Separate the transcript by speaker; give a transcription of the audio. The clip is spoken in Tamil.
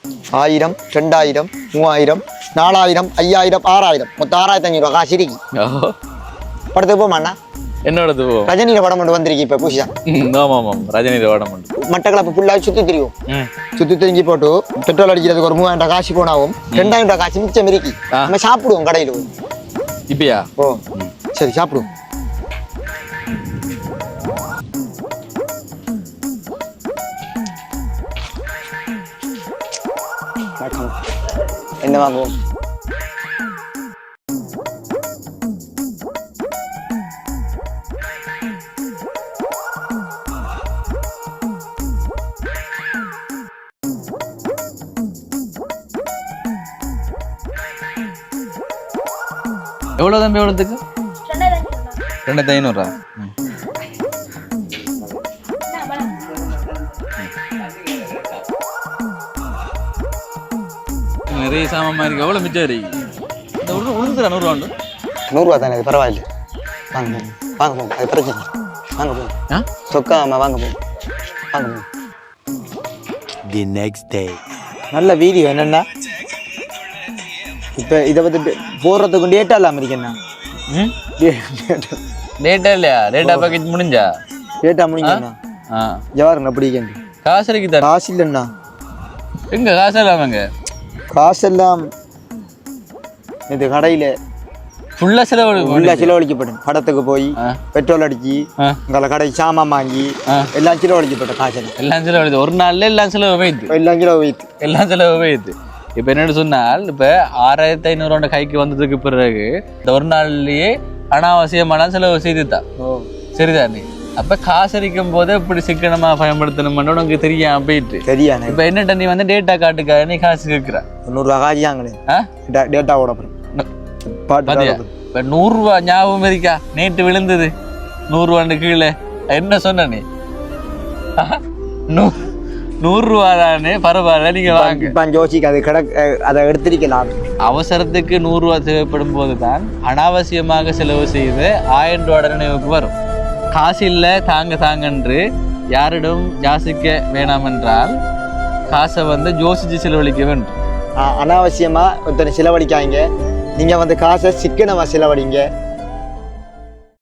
Speaker 1: 1000 2000 3000 4000 5000 6000 மொத்தம் 6500 ரூபா காசு இருக்கு. படத்துக்கு போமாண்ணா
Speaker 2: என்னோடது போ
Speaker 1: ரஜினியில படம் மட்டும் வந்திருக்கு இப்ப புதுசா.
Speaker 2: ஆமாம் ரஜினியில படம் மட்டும்
Speaker 1: மட்டக்களப்பு ஃபுல்லாக சுற்றி திரியும். சுற்றி திரிஞ்சு போட்டு பெட்ரோல் அடிக்கிறதுக்கு ஒரு 3000 ரூபா காசு போனாவும் 2000 ரூபா காசு மிச்சம் இருக்கு. நம்ம சாப்பிடுவோம் கடையில்.
Speaker 2: இப்பயா
Speaker 1: ஓ சரி சாப்பிடுவோம். என்ன வாங்குவோம்?
Speaker 2: எவ்வளோ தம்பி எவ்வளோத்துக்கு 2500 நிறைய சாமான் இருக்கு. எவ்வளோ மிச்சம் இருக்கு? இந்த உளுந்துரா 100 ரூபா
Speaker 1: 100 ரூபா தானே, அது பரவாயில்ல. வாங்க வாங்க போங்க, அது பிரச்சனை. வாங்க போங்க சொக்காம வாங்க போங்க வாங்க போங்க.
Speaker 3: The next day.
Speaker 1: நல்ல வீடியோ என்னென்னா இப்போ இதை பற்றி போடுறதுக்கு டேட்டா இல்லாமல் இருக்கேண்ணா.
Speaker 2: டேட்டா இல்லையா? டேட்டா பேக்கேஜ் முடிஞ்சா?
Speaker 1: டேட்டா முடிங்கண்ணா. ஜவாருங்க அப்படி கேண்டு
Speaker 2: காசு இருக்குதா?
Speaker 1: காசு இல்லைண்ணா.
Speaker 2: எங்க காசு இல்லாமங்க?
Speaker 1: காசெல்லாம் இது கடையில்
Speaker 2: ஃபுல்லாக
Speaker 1: செலவழிக்கப்படும். படத்துக்கு போய் பெட்ரோல் அடிச்சு உங்களை கடை சாமான் வாங்கி எல்லாம் செலவழிக்கப்பட்ட காசு.
Speaker 2: எல்லாம் செலவு ஒரு நாள்ல எல்லாம் செலவு வைத்து எல்லாம் செலவு வைத்து. இப்போ என்னென்னு சொன்னால், இப்போ 6500 கைக்கு வந்ததுக்கு பிறகு இந்த ஒரு நாள்லயே அனாவசியமான செலவு செய்துதான். சரிதானே? அப்ப காசரிக்கும் போது இப்படி சிக்கனமா பயன்படுத்தணும்னு உனக்கு தெரியாம போயிட்டு தெரியாது. இப்ப என்ன நீ வந்து டேட்டா காட்டுக்காக நீ காசு கேட்கிற
Speaker 1: 100 ரூபா காசியாங்களே டேட்டா ஓட
Speaker 2: இப்ப 100 ரூபா ஞாபகம் இருக்கா? நேற்று விழுந்தது 100 ரூபான்னு கீழே என்ன சொன்ன நீ? 100 ரூபா தானே, பரவாயில்ல நீங்க வாங்க.
Speaker 1: ஜோசிக்கு அது அதை எடுத்திருக்கலாம்.
Speaker 2: அவசரத்துக்கு 100 ரூபா தேவைப்படும் போது தான் அனாவசியமாக செலவு செய்து 1000 ரூபா நினைவுக்கு வரும். காசு இல்லை தாங்கன்று யாரிடம் யாசிக்க வேணாம் என்றால் காசை வந்து யோசிச்சு செலவழிக்க வேண்டும்.
Speaker 1: அனாவசியமா ஒருத்தனை செலவழிக்காங்க. நீங்க வந்து காசை சிக்கனமா செலவழிங்க.